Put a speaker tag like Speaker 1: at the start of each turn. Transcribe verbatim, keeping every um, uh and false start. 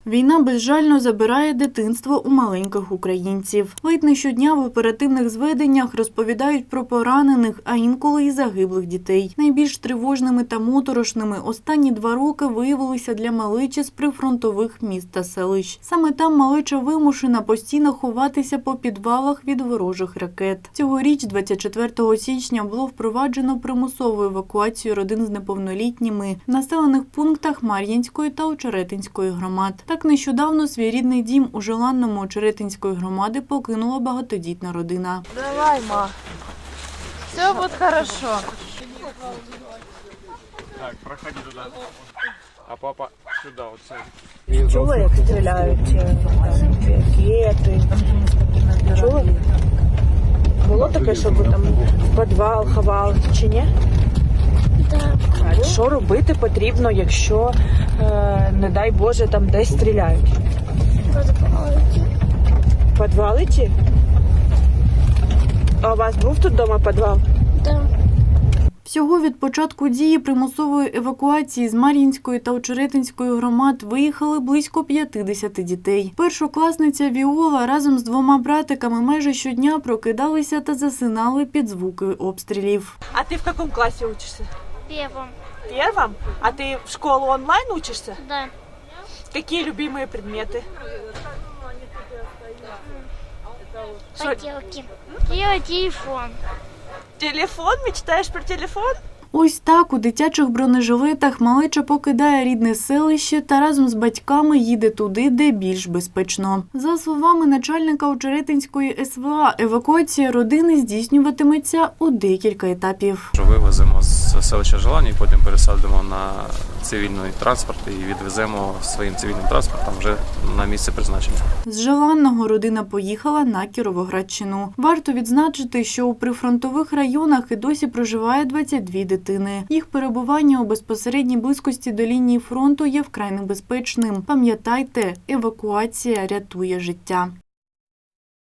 Speaker 1: Війна безжально забирає дитинство у маленьких українців. Ледь не щодня в оперативних зведеннях розповідають про поранених, а інколи і загиблих дітей. Найбільш тривожними та моторошними останні два роки виявилися для малечі з прифронтових міст та селищ. Саме там малеча вимушена постійно ховатися по підвалах від ворожих ракет. Цьогоріч, двадцять четвертого січня, було впроваджено примусову евакуацію родин з неповнолітніми в населених пунктах Мар'їнської та Очеретинської громад. Так нещодавно свій рідний дім у Желанному Очеретинської громади покинула багатодітна родина.
Speaker 2: Давай, ма. Все буде хорошо.
Speaker 3: Так, проходи туди. А папа сюди, оце.
Speaker 2: Чула, як стріляють ракети? Чула? Було таке, щоб там в підвал ховали, чи ні? Так. Що робити потрібно, якщо, е, не дай Боже, там десь стріляють? В підвал іти? А у вас був тут вдома підвал?
Speaker 4: Так.
Speaker 1: Всього від початку дії примусової евакуації з Мар'їнської та Очеретинської громад виїхали близько п'ятдесят дітей. Першокласниця Віола разом з двома братиками майже щодня прокидалися та засинали під звуки обстрілів.
Speaker 2: А ти в якому класі учишся?
Speaker 4: Первым.
Speaker 2: Первом? А ты в школу онлайн учишься?
Speaker 4: Да.
Speaker 2: Какие любимые предметы? Шо-
Speaker 4: Поделки. И телефон.
Speaker 2: Телефон? Мечтаешь про телефон?
Speaker 1: Ось так у дитячих бронежилетах малеча покидає рідне селище та разом з батьками їде туди, де більш безпечно. За словами начальника Очеретинської ес ве а, евакуація родини здійснюватиметься у декілька етапів.
Speaker 3: Вивеземо з селища Желання і потім пересадимо на цивільний транспорт і відвеземо своїм цивільним транспортом вже на місце призначення.
Speaker 1: З Желанного родина поїхала на Кіровоградщину. Варто відзначити, що у прифронтових районах і досі проживає двадцять дві дитини. Їх перебування у безпосередній близькості до лінії фронту є вкрай небезпечним. Пам'ятайте, евакуація рятує життя.